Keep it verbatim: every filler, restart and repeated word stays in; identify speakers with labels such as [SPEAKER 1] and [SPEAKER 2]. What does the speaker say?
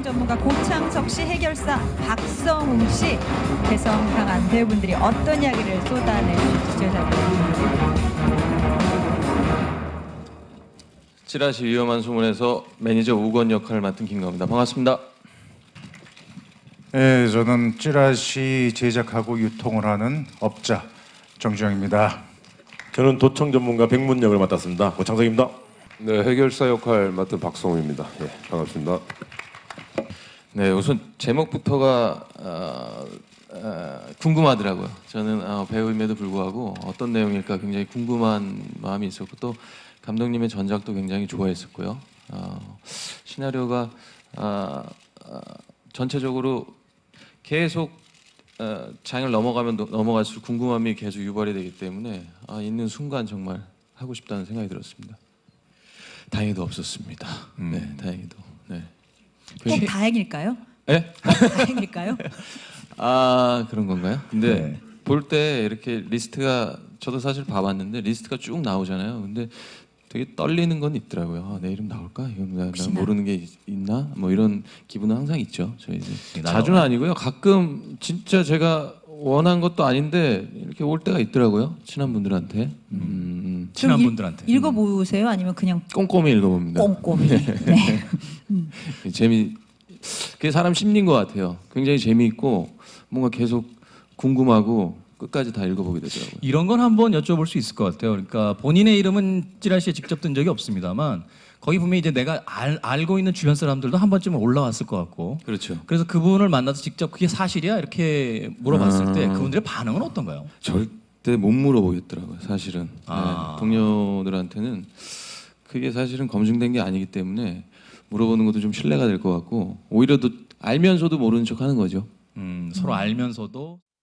[SPEAKER 1] 전문가 고창석 씨, 해결사 박성웅 씨, 개성 강한 배우분들이 어떤 이야기를 쏟아낼지 지켜보겠습니다.
[SPEAKER 2] 찌라시 위험한 소문에서 매니저 우건 역할을 맡은 김가호입니다. 반갑습니다.
[SPEAKER 3] 네, 저는 찌라시 제작하고 유통을 하는 업자 정주영입니다.
[SPEAKER 4] 저는 도청 전문가 백문역을 맡았습니다. 고창석입니다.
[SPEAKER 5] 네, 해결사 역할 맡은 박성우입니다. 예, 반갑습니다.
[SPEAKER 2] 네, 우선 제목부터가 어, 어, 궁금하더라고요. 저는 어, 배우임에도 불구하고 어떤 내용일까 굉장히 궁금한 마음이 있었고, 또 감독님의 전작도 굉장히 좋아했었고요. 어, 시나리오가 어, 어, 전체적으로 계속 어, 장을 넘어가면 노, 넘어갈수록 궁금함이 계속 유발이 되기 때문에 아, 있는 순간 정말 하고 싶다는 생각이 들었습니다. 다행히도 없었습니다.
[SPEAKER 5] 음.
[SPEAKER 2] 네, 다행히도. 네.
[SPEAKER 1] 꼭 다행일까요?
[SPEAKER 2] 네?
[SPEAKER 1] 다행일까요?
[SPEAKER 2] 아, 그런 건가요? 근데
[SPEAKER 3] 네.
[SPEAKER 2] 볼 때 이렇게 리스트가, 저도 사실 봐봤는데 리스트가 쭉 나오잖아요. 근데 되게 떨리는 건 있더라고요. 아, 내 이름 나올까? 이건 나, 나 모르는 게 있, 있나? 뭐 이런 기분은 항상 있죠. 저희 자주는 아니고요. 가끔 진짜 제가 원한 것도 아닌데 이렇게 올 때가 있더라고요. 친한 분들한테. 음,
[SPEAKER 6] 친한
[SPEAKER 1] 일-
[SPEAKER 6] 분들한테.
[SPEAKER 1] 읽어보세요? 아니면 그냥
[SPEAKER 2] 꼼꼼히 읽어봅니다.
[SPEAKER 1] 꼼꼼히? 네.
[SPEAKER 2] 재미, 그게 사람 심리인 것 같아요. 굉장히 재미있고 뭔가 계속 궁금하고 끝까지 다 읽어보게 되더라고요.
[SPEAKER 6] 이런 건 한번 여쭤볼 수 있을 것 같아요. 그러니까 본인의 이름은 찌라시에 직접 든 적이 없습니다만 거기 보면 이제 내가 알, 알고 있는 주변 사람들도 한 번쯤은 올라왔을 것 같고.
[SPEAKER 2] 그렇죠.
[SPEAKER 6] 그래서 그분을 만나서 직접 그게 사실이야 이렇게 물어봤을 때
[SPEAKER 2] 아.
[SPEAKER 6] 그분들의 반응은 어떤가요?
[SPEAKER 2] 절대 못 물어보겠더라고요. 사실은.
[SPEAKER 6] 아.
[SPEAKER 2] 네, 동료들한테는 그게 사실은 검증된 게 아니기 때문에 물어보는 것도 좀 신뢰가 될 것 같고, 오히려 또 알면서도 모르는 척하는 거죠.
[SPEAKER 6] 음, 서로 알면서도